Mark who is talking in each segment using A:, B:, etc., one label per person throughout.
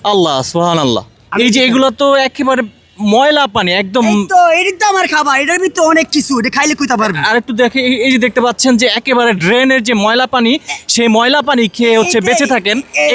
A: আল্লাহ সুবহানাল্লাহ। এই যে এগুলো তো একেবারে ময়লা পানি একদম।
B: এই তো এটাই তো আমার খাবার, এটার ভিতরে অনেক কিছু, এটা খাইলে কইতে পারবি।
A: আর একটু দেখে এই যে দেখতে পাচ্ছেন যে একেবারে ড্রেনের যে ময়লা পানি, সেই ময়লা পানি খেয়ে হচ্ছে
B: এইটাই-
A: বেঁচে থাকেন এই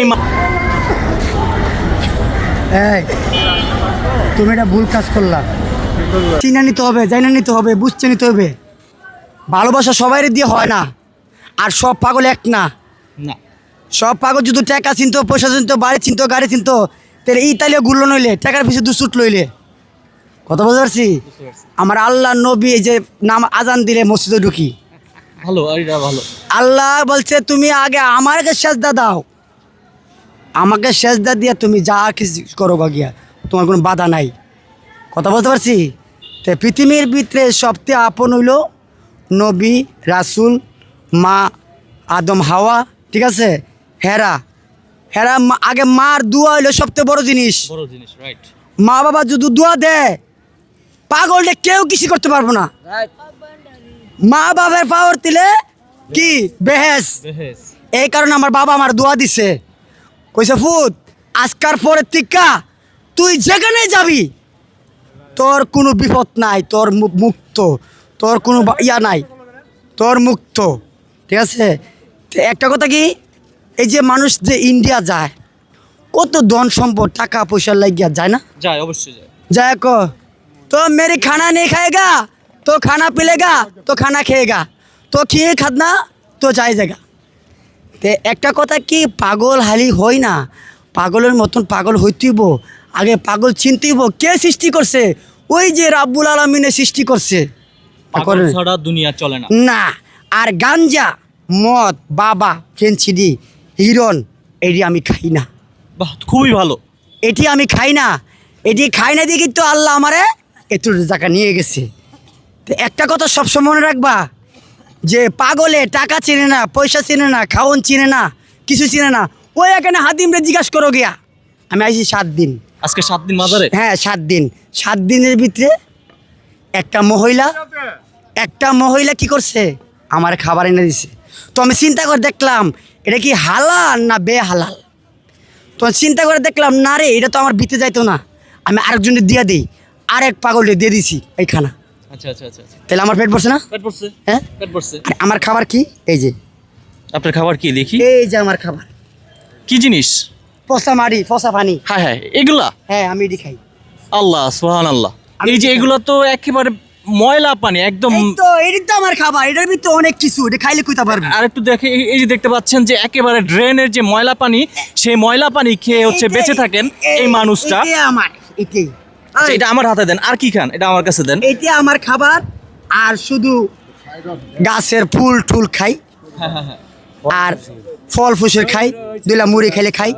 B: এই তুমি এটা ভুল কাজ করলা। চিনা নিতে হবে, জানা নিতে হবে, বুঝতে নিতে হবে। ভালোবাসা সবাই দিয়ে হয় না, আর সব পাগল এক না।
A: না।
B: সব পাগল যদি টাকা চিনতো, পয়সা চিনতো, বাড়ি চিনতো, গাড়ি চিনতো, তাহলে ইতালিও গুলো নইলে টাকার পিছনে দুসুট লইলে। কথা বুঝতে পারছি? আমার আল্লাহ নবী এই যে নাম আজান দিলে মসজিদে ঢুকি,
A: ভালো, এটা ভালো।
B: আল্লাহ বলছে তুমি আগে আমাকে সেজদা দাও, আমাকে সেজদা দিয়ে তুমি যা কিছু করো গিয়া, তোমার কোনো বাধা নাই। কথা বলতে পারছি? তো পৃথিবীর ভিতরে সবচেয়ে আপন হইল নবী, রাসূল, মা আদম হাওয়া, ঠিক আছে? হেরা হেরা আগে মার দোয়া হইলো সবচেয়ে বড় জিনিস।
A: বড় জিনিস, রাইট।
B: মা বাবা যদি দোয়া দেয়, পাগলটা কেউ কিছু করতে পারবো না। মা বাবার পাওয়ার দিলে কি বেহেস। এই কারণে আমার বাবা আমার দোয়া দিছে, কইছে ফুত আজকার পরে টিকা তুই যেখানে যাবি তোর কোনো বিপদ নাই, তোর মুক্ত, তোর কোনো ইয়া নাই, তোর মুক্ত, ঠিক আছে? তো একটা কথা কি, এই যে মানুষ যে ইন্ডিয়া যায়, কত ধন সম্পদ টাকা পয়সা লাগিয়া যায় না?
A: যায়, অবশ্যই যায়।
B: जाए को तो मेरी खाना नहीं खाएगा तो खाना पिलेगा तो खाना खाएगा तो खिए खाना तो जाएगा। ते একটা কথা কি, পাগল হালি হই না, পাগলের মতন পাগল হইতেইব। আগে পাগল চিনতেইব কে সৃষ্টি করছে, ওই যে রাব্বুল আলামিনে সৃষ্টি করছে।
A: পাগল ছাড়া দুনিয়া চলে না।
B: না, আর গাঞ্জা, মদ, বাবা, ফেন্সিডি, হিরন, এটি আমি খাই না।
A: বাহ, খুবই ভালো।
B: এটি আমি খাই না, এটি খাই না দিয়ে কিন্তু আল্লাহ আমারে একটু জায়গা নিয়ে গেছে। তো একটা কথা সবসময় মনে রাখবা, যে পাগলে টাকা চিনে না, পয়সা চিনে না, খাওয়ন চিনে না, কিছু চিনে না। ওই এখানে হাদিমরে জিজ্ঞাসা করো গিয়া, আমি আইছি 7 দিন।
A: আজকে 7 দিন মাজারে?
B: হ্যাঁ 7 দিন। 7 দিনের ভিতরে একটা মহিলা কি করছে, আমার খাবার এনে দিছে। তো আমি চিন্তা করে দেখলাম এটা কি হালাল না বেহালাল। তো চিন্তা করে দেখলাম না রে, এটা তো আমার বিতে যাইতো না, আমি আরেকজনের দিয়ে দিই, আরেক পাগলে দিয়ে দিছি এই খানা।
A: আচ্ছা আচ্ছা আচ্ছা আচ্ছা।
B: তাহলে আমার পেট ভরছে না?
A: পেট পড়ছে।
B: হ্যাঁ
A: পেট পড়ছে।
B: আর আমার খাবার কি, এই যে
A: আপনার খাবার কি দেখি?
B: এই যে আমার খাবার,
A: কি জিনিস?
B: পচা মাড়ি, পচা পানি।
A: হ্যাঁ হ্যাঁ, এগুলা?
B: হ্যাঁ আমি এটি খাই।
A: আল্লাহ সুবহানাল্লাহ।
B: আমি
A: এই যে
B: কি খাই?
A: এগুলো তো একেবারে ময়লা পানি একদম।
B: এই তো এটি তো আমার খাবার, এটার ভিতরে অনেক কিছু, এটা খাইলে কইতে পারবি।
A: আর একটু দেখে এই যে দেখতে পাচ্ছেন যে একেবারে ড্রেনের যে ময়লা পানি, সেই ময়লা পানি খেয়ে হচ্ছে বেঁচে থাকেন এই মানুষটা।
B: এটাই আমার, এটাই।
A: আচ্ছা, এটা আমার হাতে দেন। আর কি খান? এটা আমার কাছে দেন।
B: এটা আমার খাবার। আর শুধু গাছের ফুল টুল খাই, আর ফল ফুসের খাই, দুইলা মুড়ি খাইলে খাই।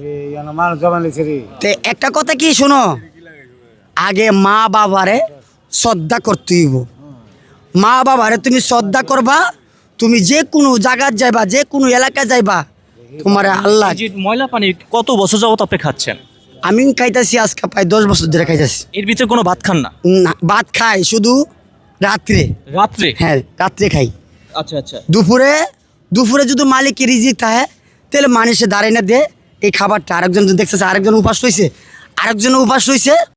B: তে একটা কথা কি শোনো, আগে মা বাবারে শ্রদ্ধা করতে হইব। মা বাবারে তুমি শ্রদ্ধা করবা, তুমি যে কোনো জায়গায় যাইবা, যে কোনো এলাকায় যাইবা, তোমার আল্লাহ।
A: এই যে ময়লা পানি কত বছর যাবত আপনি খাচ্ছেন?
B: আমি খাইতেছি আজকে প্রায় 10 বছর ধরে খাইতেছি।
A: এর ভিতরে কোনো ভাত খান না?
B: না, ভাত খাই শুধু রাত্রে।
A: রাত্রে?
B: হ্যাঁ রাত্রে খাই।
A: আচ্ছা আচ্ছা।
B: দুপুরে যদি মালিকের রিজিক থাকে, তাহলে মানুষে দাঁড়ায় না দে এই খাবারটা। আরেকজন দেখতেছে, আরেকজন উপাস রয়েছে,